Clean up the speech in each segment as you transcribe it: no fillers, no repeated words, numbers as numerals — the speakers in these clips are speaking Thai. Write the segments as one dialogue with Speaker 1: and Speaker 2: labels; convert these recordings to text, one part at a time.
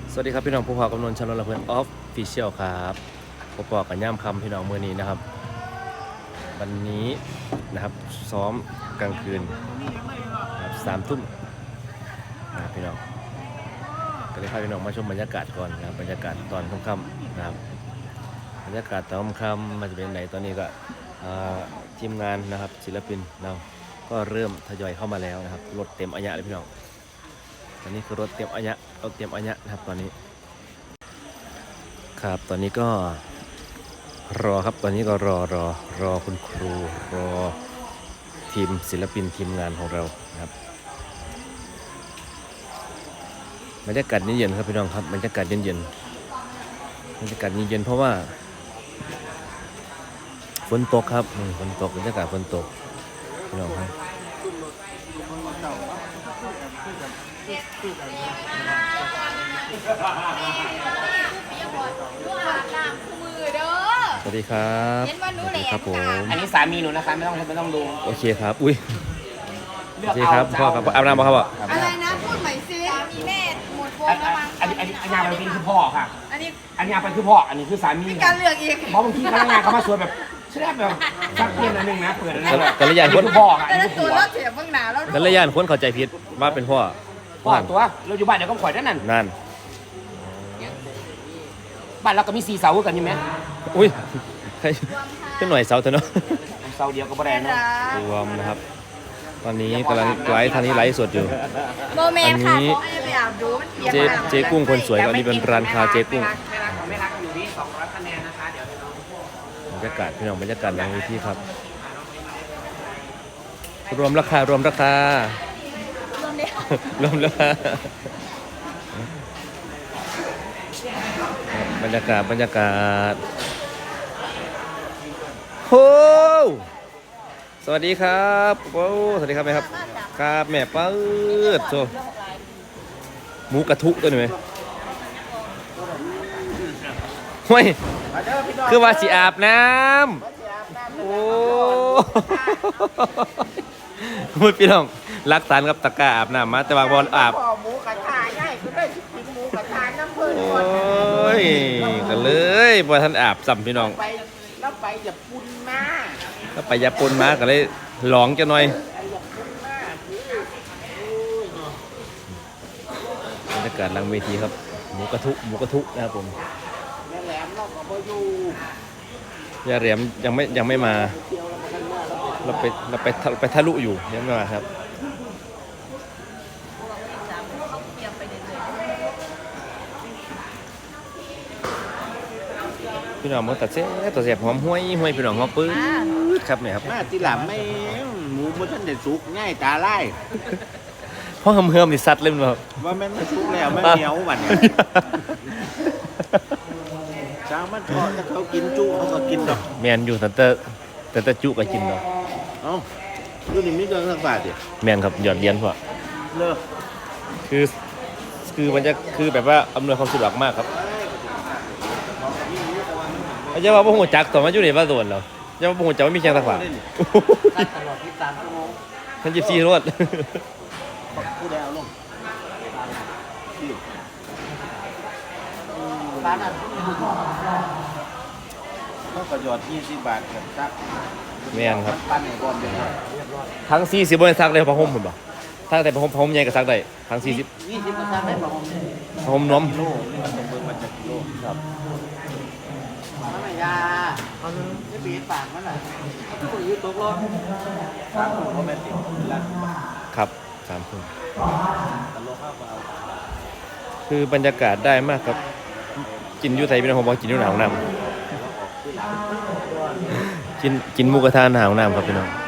Speaker 1: สวัสดีครับพี่น้องผู้พากำนนชาลละเพื่อนออฟฟิเชียลครับพบปอกันย่ำคำพี่น้องเมื่อนี้นะครับ วันนี้นะครับซ้อมกลางคืนนะครับ3 ทุ่มนะครับพี่น้องก็เลยพาพี่น้องมาชมบรรยากาศก่อนนะครับบรรยากาศตอนค่ำๆนะครับบรรยากาศตอนค่ำมันจะเป็นไหนตอนนี้ก็ทีมงานนะครับศิลปินเราก็เริ่มทยอยเข้ามาแล้วนะครับรถเต็มอัญญะเลยพี่น้องตอนนี้คือรถเต็มอัญญะนะครับตอนนี้ครับตอนนี้ก็รอครับตอนนี้ก็รอคุณครูรอทีมศิลปินทีมงานของเรานะครับบรรยากาศเย็นๆครับพี่น้องครับบรรยากาศเย็นเพราะว่าฝนตกครับฝนตกบรรยากาศฝนตกพี่น้องครับสวัสดีครับสวัสดีครับผม
Speaker 2: อันนี้สามีหนูนะคะไม่ต้องดู
Speaker 1: โอเคครับอุ้ยโอเคครับพ่อครับอาบน้ำมาครับพ่อ
Speaker 3: อะไรนะพูดใหม่ซิมีแม่หมดวงแล้วมั้ง
Speaker 2: อันนี้งานเป็นคือพ่อค่ะ
Speaker 3: อันนี้
Speaker 2: งานเป็นคือพ่ออันนี้คือสามี
Speaker 3: การเลือกอีก
Speaker 2: เพราะบางทีพนักงานเขามาสวยแบบเชื่อแบบสักเพียงนึงนะเปิดอะไร
Speaker 1: แต่ละอย่างคน
Speaker 2: พ่อค่ะ
Speaker 3: แต่ละตัวเราเสียบเบื้องหน้าแล้ว
Speaker 1: แต่ละอย่างคนเข้าใจผิดว่าเป็นพ่อ
Speaker 2: ตัวเราอยู่บ้านเดี๋ยวก็ข่อยนั่นบ้านเราก็มี4 เสากันอยู่ไหม
Speaker 1: อุ้ยขึ้นหน่อยเสาเถอะเนาะ
Speaker 2: เสาเดียวก็บ่ได้เนาะ
Speaker 1: รวมนะครับตอนนี้กำลังไลฟ์ทางนี้ไลฟ์สดอยู่
Speaker 3: โมเมนต์ค่ะไปอาบดูมันเปียก
Speaker 1: เจ๊กุ้งคนสวยก็นี่เป็นร้านคาเจ๊กุ้ง
Speaker 2: ไม่รักอยู่ที่200 คะแนนนะคะเดี๋ยว
Speaker 1: บรรยากาศพี่น้องบรรยากาศหลังเวทีครับรวมราคารวมราคบรรยากาศโอ้สวัสดีครับโอ้สวัสดีครับแม่ครับครับแม่เปิดโซหมูกระทุตัวนี้ไหมเฮ้ยคือว่าสิอาบน้ำโอ้พูดพี่น้องรักษากับตะกร้าอาบน้ำมาแต่ว่าบอลอาบ
Speaker 3: หมูกระทะง่ายคือได้กินหมูกระทะน้ำเพิ่น
Speaker 1: โอ้ยกันเลยบอท่านอาบสัมพี่น้อง
Speaker 3: แล้วไปอย่าปุ่นมา
Speaker 1: แล้วไปยาปนมาก็เลยหลองจะหน่อยบรรยากาศหลังเวทีครับหมูกระทุนะครับผม
Speaker 3: แม่แหลมเราก็บ่อยู่
Speaker 1: ย่าแหลมยังไม่มาเราไปทะลุอยู่ยังไม่มาครับพี่น้องมันตัดเส้นตัวเสียบหอมห้วยพี่น้องหอมปื้ดครับเนี่ยครับ
Speaker 3: มาทีหลังไม่หมูมันท่านเด็ดสุกง่ายตาไล่
Speaker 1: พ่อเฮิมนี่ซัดเล่นแบบ
Speaker 3: ว่าแม่ไม่สุกแล้วไม่เหนียวหวานช้างมันทอดถ้าเขากินจุเขาก็กินดอก
Speaker 1: แมนอยู่แต่จุก็กินดอก
Speaker 3: เอ้าดูนี่มีเรื่องสักบาทดิ
Speaker 1: แมนครับหยอดเลี้ยนพ่อ
Speaker 3: เลิก
Speaker 1: คือมันจะคือแบบว่าอำนวยความสะดวกมากครับอาจารย์ว่าพวกหัวจักต่อมาอยู่ในบ้านโดนแล้วอาจารย์ว่าพวกหัวจักไม่มีแข่งตะขวา
Speaker 3: ตลอด23 ชั่วโมง
Speaker 1: ท่าน14 รวด
Speaker 3: ผู้ใดเอาลงร้านนั้นเขาก็หยอด20 บาทครับ
Speaker 1: แม่นครับ
Speaker 3: ปั้นให้ก่อนเดี๋ยว
Speaker 1: ทั้ง40บ่ได้ซักได้ผ้าห่มพุ่นบ่ถ้าแต่ผ้าห่มใหญ่ก็ซักได้ทั้ง40
Speaker 3: 20ก็ซักได้ผ้าห่ม
Speaker 1: ผ้าห่มนวม
Speaker 3: กิโลนี่มันต้องเบิ่งมาจากกิโลครับมันไม่ยาจะปีนปากมันน่ะคนยืดตกรถ3 คนบ่แม่นติละ
Speaker 1: ครับ3 คน
Speaker 3: ตลกเอา
Speaker 1: คือบรรยากาศได้มากครับกินอยู่ไทยเป็นของบอกกินอยู่หนาวน้ำกินหมูกระทะหนาวน้ำครับพี่น้อง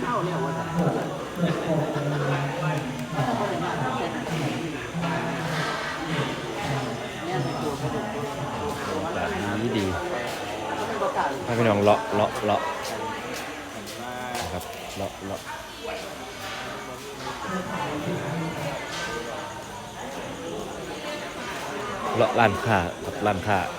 Speaker 1: ดีให้พี่น้องเลาะนะครับเลาะร้านค้ากับร้านค้า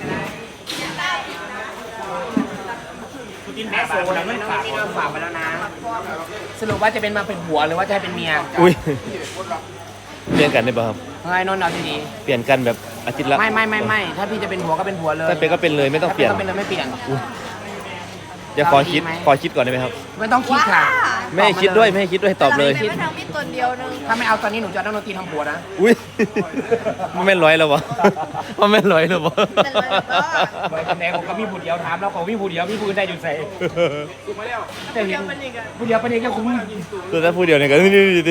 Speaker 2: กินแม่โซ่แล้วไม่ฝากไปแล้วนะสรุปว่าจะเป็นมาเป็นผัวหรือว่าจะให้เป็นเมีย
Speaker 1: อุ้ยเปลี่ยนกันได้ป่ะครับ
Speaker 2: ไงนนท์เอาดี
Speaker 1: เปลี่ยนกันแบบอาทิตย์ละ
Speaker 2: ๆไม่ถ้าพี่จะเป็นผัวก็เป็นผัวเลย
Speaker 1: ถ้าเป็นก็เป็นเลยไม่ต้องเปลี่ยน
Speaker 2: ถ้าเป็นเลยไม่เปลี่ยน
Speaker 1: เดี๋ยวขอคิดก่อนได้ไหมครับ
Speaker 2: ไม่ต้องคิดค่ะ
Speaker 1: ไม่ให้คิดด้วยไม่ให้คิดด้วยตอบเลย
Speaker 4: ไม่ทำมีดตัวเดียวนึง
Speaker 2: ถ้าไม่เอาตอนนี้หนูจะเอานักดนตรีทำผัวนะ
Speaker 1: อุ้ยมันไม่ร้อยแล้ววะมันไม่ร้อยแล้ววะ
Speaker 4: เป็นเลยก็
Speaker 2: เบอร์คะแนนผมก็มีผู้เดียวถามแล้วของพี่ผู้เดียวพี่ผู้อื่นได้อยู่ใส่แต่เห็นผู้เดียวประเด็นก็คุ้ม
Speaker 1: ตัวถ้าพูดเดียวเนี่ยก็นี่ดิ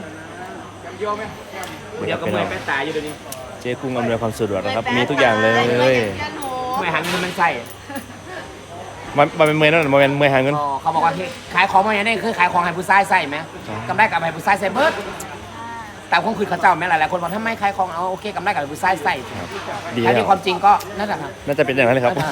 Speaker 2: ผู้เดียวก็เมื่อยแป้ตายอยู่เดี๋ยวนี้
Speaker 1: เจ๊กุ้งอำนวยความสะดวกนะครับมีทุกอย่างเลย
Speaker 4: ยันหนู
Speaker 2: เมื่อยหาเงินมันใส่
Speaker 1: มันเป็นเมย์นั่นมันเป็นเมย์หาเงิน
Speaker 2: อ๋อเขาบอกว่าขายของมาอย่างนี้คือขายของให้ผู้ชายใส่ไหมกำไรกับให้ผู้ชายใส่เบิร์ดแต่คงคือเขาเจ้าแม่หลายๆคนบอกถ้าไม่ขายของเอาโอเคกำไรกับให้ผู้ชายใส่
Speaker 1: ดี
Speaker 2: ถ้า
Speaker 1: แล้
Speaker 2: มี
Speaker 1: ว
Speaker 2: ความจริงก็นั่นแหละครับ
Speaker 1: น่าจะเป็นอย่างนั้นเลยครับ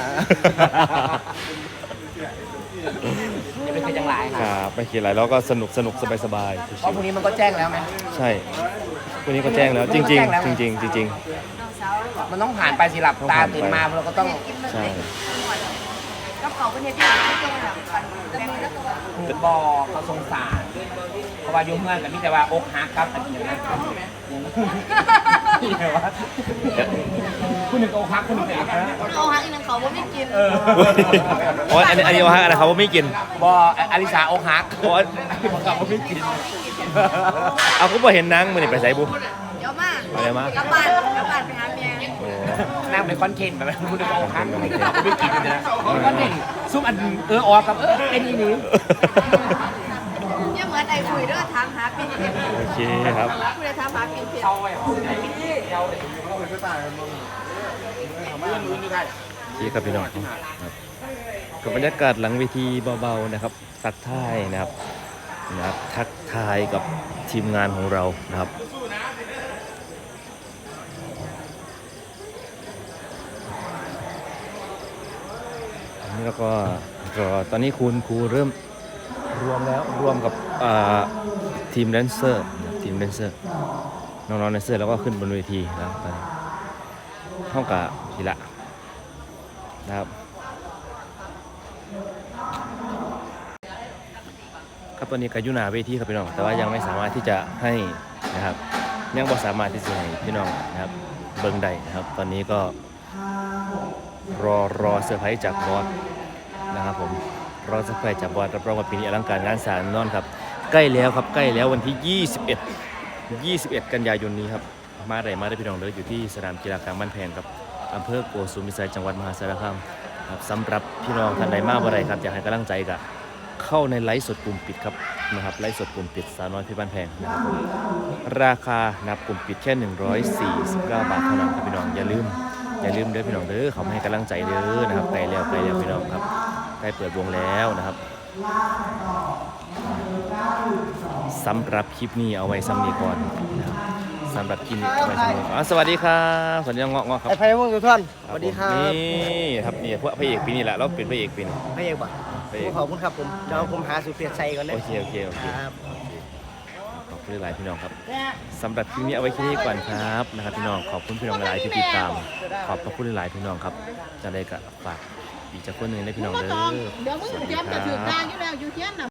Speaker 2: อย่าไปเคยจังหลาย
Speaker 1: ค
Speaker 2: ค่ะ
Speaker 1: รับไม่คิดอะไรแล้วก็สนุกสบาย
Speaker 2: เพราะพรุ่งนี้มันก็แจ้งแล้วไหม
Speaker 1: ๆใช่วันนี้ก็แจ้งแล้วจริงๆจริง
Speaker 2: มันต้องผ่านไปสิหลับตาตื่นมาเราก็ต้อง
Speaker 1: ๆใช่
Speaker 4: กระเป๋าเป็นที่ไม่ตรงหลังกันแต่มือแล้วก็
Speaker 2: บอกเขาสงสารเพราะว่ายุ่งเงื่อนกับมิแต่ว่าอกหักครับอันนี้นะนี่ไงวะคุณหนึ่งอกหักคุณหนึ่งอกหัก
Speaker 4: เอาหักอีกหนึ่งเขาว่าไม่กิน
Speaker 1: อ๋ออันนี้ว่าอะไรเขาไม่กิน
Speaker 2: บออลิสาอกหัก
Speaker 1: อ๋อ
Speaker 2: เขาไม่กิน
Speaker 1: เอาก็บ่เห็นนางมันนี่ไปใส่บุ
Speaker 4: เดี๋ยวมาก
Speaker 1: อะไรมา
Speaker 4: กลับบ้านไปหาเมีย
Speaker 1: โอ้
Speaker 2: นั่งเป็นคอนเทนต์แบบนั้นคุณหนึ่งอกหักไม่กินนะคอนเทนต์ซุ่มอันออกกับเป็นอีนี้
Speaker 4: เนี่ยเหมือนไอ้คุยเด้อถามหาปีนเพีย
Speaker 1: โอเคครับ
Speaker 4: คุยถามหาปีนเพีย
Speaker 1: ที่ครับพี่น้องครับกับบรรยากาศหลังเวทีเบาๆนะครับทักทายนะครับทักทายกับทีมงานของเรานะครับอันนี้แล้วก็รอตอนนี้ครูเริ่มรวมแล้วรวมกับทีมแดนเซอร์นะครับทีมแดนเซอร์น้องๆแดนเซอร์แล้วก็ขึ้นบนเวทีแล้วตอนนี้ห้องกับทีละนะครับครับตอนนี้ก็อยู่หน้าเวทีครับพี่น้องแต่ว่ายังไม่สามารถที่จะให้นะครับยังบ่สามารถที่จะให้พี่น้องนะครับเบิ่งได้นะครับตอนนี้ก็รอเซอร์ไพรส์จากบอสนะครับผมรอเซอร์ไพรส์จากบอสรับรองว่าปีนี้อลังการงานสร้างแน่นอนครับใกล้แล้วครับใกล้แล้ววันที่21 กันยายนนี้ครับมาได้พี่น้องเลยอยู่ที่สนามกีฬากลางบ้านแพงครับอำเภอโกสุมพิสัยจังหวัดมหาสารคามครับสำหรับพี่น้องท่านใดมาบ่ได้ครับอยากให้กำลังใจก็เข้าในไลฟ์สดกลุ่มปิดครับนะครับไลฟ์สดกลุ่มปิดสาวน้อยเพชรบ้านแพงนะครับผมราคานับกลุ่มปิดแค่149 บาทเท่านั้นครับพี่น้องอย่าลืมเด้อพี่น้องเด้อเขามาให้กำลังใจเด้อนะครับใกล้แล้วพี่น้องครับใกล้เปิดวงแล้วนะครับสำหรับคลิปนี้เอาไว้ซ้ำนี้ก่อนนะครับสำหรับคลิปนี้เอาไว้ซ้ำนี้สวัสดีครับสวัสดีเงาะครับ
Speaker 3: ไอ้ไพ่วงสุท่านสวัสดีครับ
Speaker 1: นี่ครับนี่พวกพระเอกปีนี้แหละเราเป็นพระเอกปีนี้
Speaker 3: พระเอกบ่
Speaker 1: พระเอก
Speaker 3: ขอบคุณครับผมเดี๋ยวผมหาสุเปียชัยก่อนเลย
Speaker 1: โอเค
Speaker 3: ครับ
Speaker 1: ขอบคุณหลายพี่น้องครับสำหรับคลิปนี้เอาไว้แค่นี้ก่อนครับนะครับพี่น้องขอบคุณพี่น้องหลายที่ติดตามขอบพระคุณหลายพี่น้องครับจะได้กับฝากอีกจากคนหนึ่งได้พี่น้องเด้อ
Speaker 5: เดี๋ยวมึงเตรียมจะถือ
Speaker 1: ค
Speaker 5: กา
Speaker 1: รับ
Speaker 5: รอยู่แล้วอยู่เที่ยงน่ะ